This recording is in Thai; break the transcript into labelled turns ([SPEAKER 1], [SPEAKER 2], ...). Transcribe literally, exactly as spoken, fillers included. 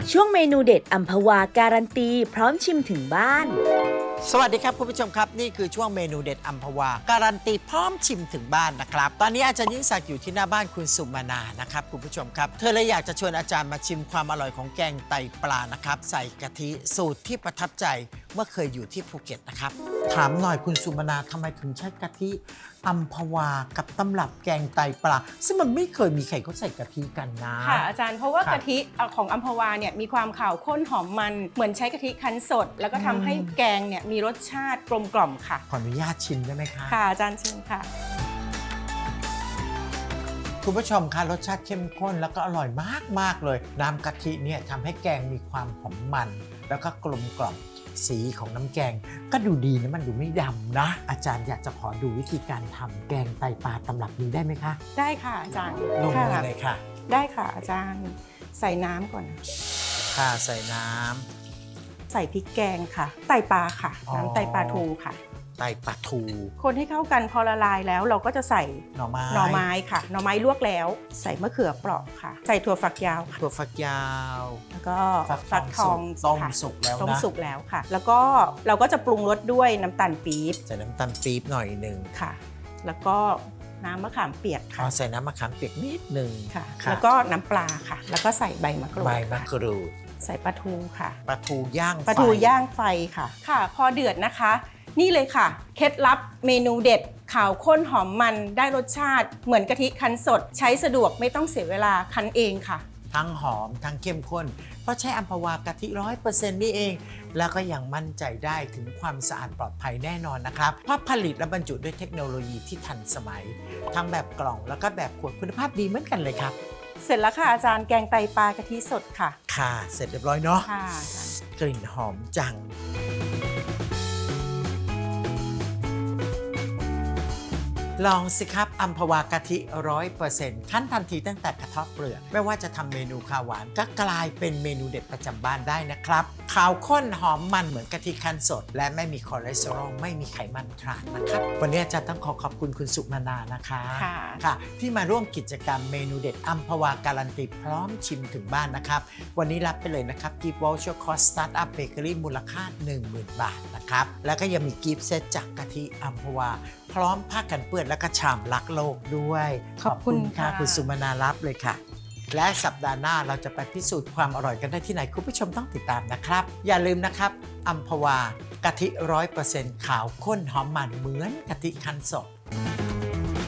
[SPEAKER 1] ช่วงเมนูเด็ดอัมพวาการันตีพร้อมชิมถึงบ้าน
[SPEAKER 2] สวัสดีครับคุณผู้ชมครับนี่คือช่วงเมนูเด็ดอัมพวาการันตีพร้อมชิมถึงบ้านนะครับตอนนี้อาจารย์ยิ่งศักดิ์อยู่ที่หน้าบ้านคุณสุมานานะครับคุณผู้ชมครับเธอเลยอยากจะชวนอาจารย์มาชิมความอร่อยของแกงไตปลานะครับใส่กะทิสูตรที่ประทับใจเมื่อเคยอยู่ที่ภูเก็ตนะครับถามหน่อยคุณสุมานาทำไมถึงใช้กะทิอัมพวากับตำรับแกงไตปลาซึ่งมันไม่เคยมีใครเขาใส่กะทิกันนะ
[SPEAKER 3] ค่ะอาจารย์เพราะว่า
[SPEAKER 2] ครับ
[SPEAKER 3] กะทิของอัมพวาเนี่ยมีความขาวข้นหอมมันเหมือนใช้กะทิคั้นสด แล้วก็ทำให้แกงเนี่ยมีรสชาติกลมกล่อมค่ะ
[SPEAKER 2] ขออนุญาตชิมได้ไหมคะ
[SPEAKER 3] ค่ะอาจารย์เชิญค่ะ
[SPEAKER 2] คุณผู้ชมคะรสชาติเข้มข้นแล้วก็อร่อยมากๆเลยน้ำกะทิเนี่ยทำให้แกงมีความหอมมันแล้วก็กลมกล่อมสีของน้ำแกงก็ดูดีนะมันดูไม่ดำนะอาจารย์อยากจะขอดูวิธีการทำแกงไตปลาตำรับนี้ได้ไหมคะ
[SPEAKER 3] ได้ค่ะอาจารย์
[SPEAKER 2] ลงมือเลยค่ะ
[SPEAKER 3] ได้ค่ะอาจารย์ใส่น้ำก่อน
[SPEAKER 2] ค่ะใส่น้
[SPEAKER 3] ำใส่พริกแกงค่ะไตปลาค่ะน้ำไตปลาทูค่ะ
[SPEAKER 2] ไตปลาทู
[SPEAKER 3] คนให้เข้ากันพอละลายแล้วเราก็จะใส่
[SPEAKER 2] หน่อไม้
[SPEAKER 3] หน่อไม้ค่ะหน่อไม้ลวกแล้วใส่มะเขือเปราะค่ะใส่ถั่วฝักยาวค่ะ
[SPEAKER 2] ถั่วฝักยาว
[SPEAKER 3] แล้วก็
[SPEAKER 2] ฟักทองต้มสุกแล้วนะ
[SPEAKER 3] ต้มสุกแล้วค่ะแล้วก็เราก็จะปรุงรสด้วยน้ำตาลปี๊บ
[SPEAKER 2] ใส่น้ำตาลปี๊บหน่อยหนึ่ง
[SPEAKER 3] ค่ะแล้วก็น้ำมะขามเปียกค่ะ
[SPEAKER 2] ใส่น้ำมะขามเปียกนิดหนึ่ง
[SPEAKER 3] ค่ะแล้วก็น้ำปลาค่ะแล้วก็ใส่ใบมะกรูด
[SPEAKER 2] ใบมะกรูด
[SPEAKER 3] ใส่ปลาทูค่ะ
[SPEAKER 2] ปลาทูย่างไฟ
[SPEAKER 3] ปลาทูย่างไฟค่ะค่ะพอเดือดนะคะนี่เลยค่ะเคล็ดลับเมนูเด็ดขาวข้นหอมมันได้รสชาติเหมือนกะทิคั้นสดใช้สะดวกไม่ต้องเสียเวลาคั้นเองค่ะ
[SPEAKER 2] ทั้งหอมทั้งเข้มข้นเพราะใช้อัมพวากะทิร้อยเปอร์เซ็นต์นี่เองแล้วก็ยังมั่นใจได้ถึงความสะอาดปลอดภัยแน่นอนนะครับเพราะผลิตและบรรจุด้วยเทคโนโลยีที่ทันสมัยทั้งแบบกล่องแล้วก็แบบขวดคุณภาพดีเหมือนกันเลยครับ
[SPEAKER 3] เสร็จแล้วค่ะอาจารย์แกงไตปลากะทิสดค่ะ
[SPEAKER 2] ค่ะเสร็จเรียบร้อยเนาะ
[SPEAKER 3] ค่ะ
[SPEAKER 2] กลิ่นหอมจังลองสิครับอัมพวากะทิ ร้อยเปอร์เซ็นต์ ขั้นทันทีตั้งแต่กระเทาะเปลือกไม่ว่าจะทำเมนูข้าวหวานก็กลายเป็นเมนูเด็ดประจำบ้านได้นะครับขาวข้นหอมมันเหมือนกะทิคั้นสดและไม่มีคอเลสเตอรอลไม่มีไขมันทรานนะครับวันนี้อาจารย์ต้องขอขอบคุณคุณสุมานานะคะค่ะที่มาร่วมกิจกรรมเมนูเด็ดอัมพวาการันตีพร้อมชิมถึงบ้านนะครับวันนี้รับไปเลยนะครับกิฟต์วอลเชอร์คอร์สสตาร์ทอัพเบเกอรี่มูลค่า หนึ่งหมื่น บาทนะครับแล้วก็ยังมีกิฟต์เซตจากกะทิอัมพวาพร้อมผ้ากันเปื้อนและก็ชามรักโลกด้วย
[SPEAKER 3] ขอบคุณค่ะ
[SPEAKER 2] คุณสุมานารับเลยค่ะและสัปดาห์หน้าเราจะไปพิสูจน์ความอร่อยกันได้ที่ไหนคุณผู้ชมต้องติดตามนะครับอย่าลืมนะครับอัมพวากะทิ ร้อยเปอร์เซ็นต์ ขาวข้นหอมมันเหมือนกะทิคั้นสด